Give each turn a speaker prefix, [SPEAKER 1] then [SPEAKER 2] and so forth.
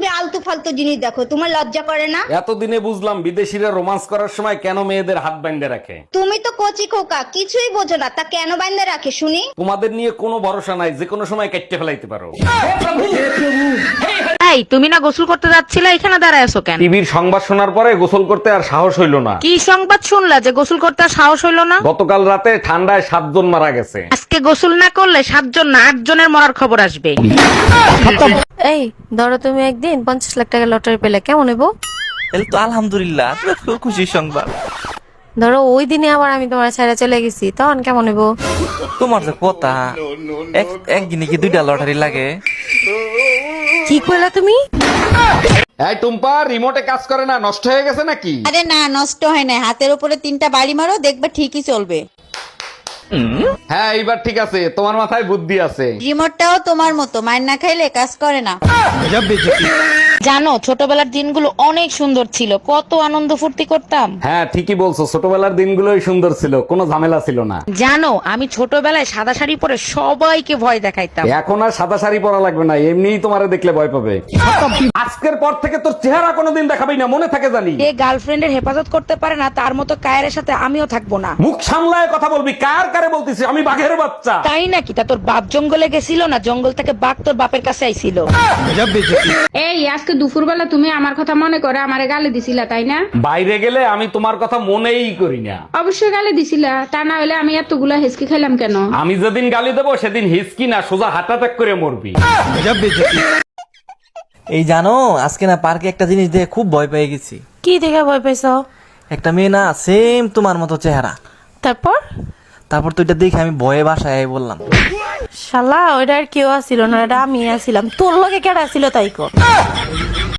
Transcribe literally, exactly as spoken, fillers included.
[SPEAKER 1] শুধু আলতু ফালতু জিনিস দেখো, তোমার লজ্জা করে না?
[SPEAKER 2] এতদিনে বুঝলাম বিদেশিরা রোমান্স করার সময় কেন মেয়েদের হাত বাইন্ধে রাখে।
[SPEAKER 1] তুমি তো কচি খোকা, কিছুই বোঝো না, তা কেন বাইন্ধে রাখে শুনি?
[SPEAKER 2] তোমাদের নিয়ে কোনো ভরসা নাই, যে কোনো সময় কেটে ফেলাইতে পারো।
[SPEAKER 3] এই তুমি না গোসল করতে যাচ্ছিলে, এখানে দাঁড়ায় আছো কেন?
[SPEAKER 2] টিভির সংবাদ শোনার পরে গোসল করতে আর সাহস হইল না।
[SPEAKER 3] কি সংবাদ শুনলা যে গোসল করতে আর সাহস হইলো না?
[SPEAKER 2] গতকাল রাতে ঠান্ডায় সাতজন মারা গেছে।
[SPEAKER 3] আজকে গোসল না করলে সাতজন না আট জনের মরার খবর আসবে।
[SPEAKER 4] এই ধরো তুমি একদিন পঞ্চাশ লাখ টাকা লটারি পেলে, কেমন হইব?
[SPEAKER 5] তাহলে তো আলহামদুলিল্লাহ, তুমি খুব খুশির সংবাদ।
[SPEAKER 4] ধরো ওই দিনে আবার আমি তোমার ছেড়ে চলে গেছি, তখন কেমন হইব?
[SPEAKER 5] তোমার যে কথা, এক- একদিনে কি দুইটা লটারি লাগে?
[SPEAKER 4] কি কইলা তুমি?
[SPEAKER 2] এই টুম্পা, রিমোটে কাজ করে না, নষ্ট হয়ে গেছে নাকি?
[SPEAKER 6] আরে না, নষ্ট হয় না, হাতের উপরে তিনটা বাড়ি মারো, দেখবে ঠিকই চলবে।
[SPEAKER 2] হ্যাঁ এইবার ঠিক আছে, তোমার মাথায় বুদ্ধি আছে।
[SPEAKER 6] রিমোটটাও তোমার মতো মায়ের না খাইলে কাজ করে না।
[SPEAKER 3] জানো ছোটবেলার দিনগুলো অনেক সুন্দর ছিল, কত আনন্দ ফুর্তি করতাম।
[SPEAKER 2] হ্যাঁ ঠিকই বলছো, ছোটবেলার দিনগুলোই সুন্দর ছিল, কোনো ঝামেলা ছিল না।
[SPEAKER 3] জানো আমি ছোটবেলায় সাদা শাড়ি পরে সবাইকে ভয় দেখাইতাম।
[SPEAKER 2] এখন আর সাদা শাড়ি পরা লাগবে না, এমনিই তোমারে দেখলে ভয় পাবে। আজকের পর থেকে তোর চেহারা কোনোদিন দেখাবি না, মনে থাকে জানি।
[SPEAKER 3] যে গার্লফ্রেন্ডের হেফাজত করতে পারে না তার মতো কায়ের সাথে আমিও থাকবো না।
[SPEAKER 2] মুখ সামলায় কথা বলবি, কার কারে বলতিস? আমি বাঘের বাচ্চা।
[SPEAKER 3] তাই নাকি? তা তোর বাপ জঙ্গলে গেছিল না, জঙ্গল থেকে বাঘ তোর বাপের কাছে আইছিল।
[SPEAKER 7] এই আজকে দুপুরবেলা তুমি আমার কথা মনে করে আমারে গালি দিছিলা, তাই না?
[SPEAKER 2] বাইরে গেলে আমি তোমার কথা মনেই করি না।
[SPEAKER 7] অবশ্যই গালি দিছিলা, তা না হলে আমি এতগুলা হেসকি খাইলাম কেন?
[SPEAKER 2] আমি যেদিন গালি দেবো সেদিন হিসকি না, সোজা হার্ট অ্যাটাক করে মরবি।
[SPEAKER 5] এই জানো, আজকে না পার্কে একটা জিনিস দেখে খুব ভয় পেয়ে গেছি।
[SPEAKER 4] কি দেখে ভয় পাইছ?
[SPEAKER 5] একটা মেয়ে না সেম তোমার মতো চেহারা।
[SPEAKER 4] তারপর?
[SPEAKER 5] তারপর তো এটা দেখে আমি ভয়ে বাসায় আই বললাম।
[SPEAKER 4] শালা ওইটা আর কেউ আসিল না, এটা আমি আসিলাম। তোর লগে কেডা আসিল তাই কর।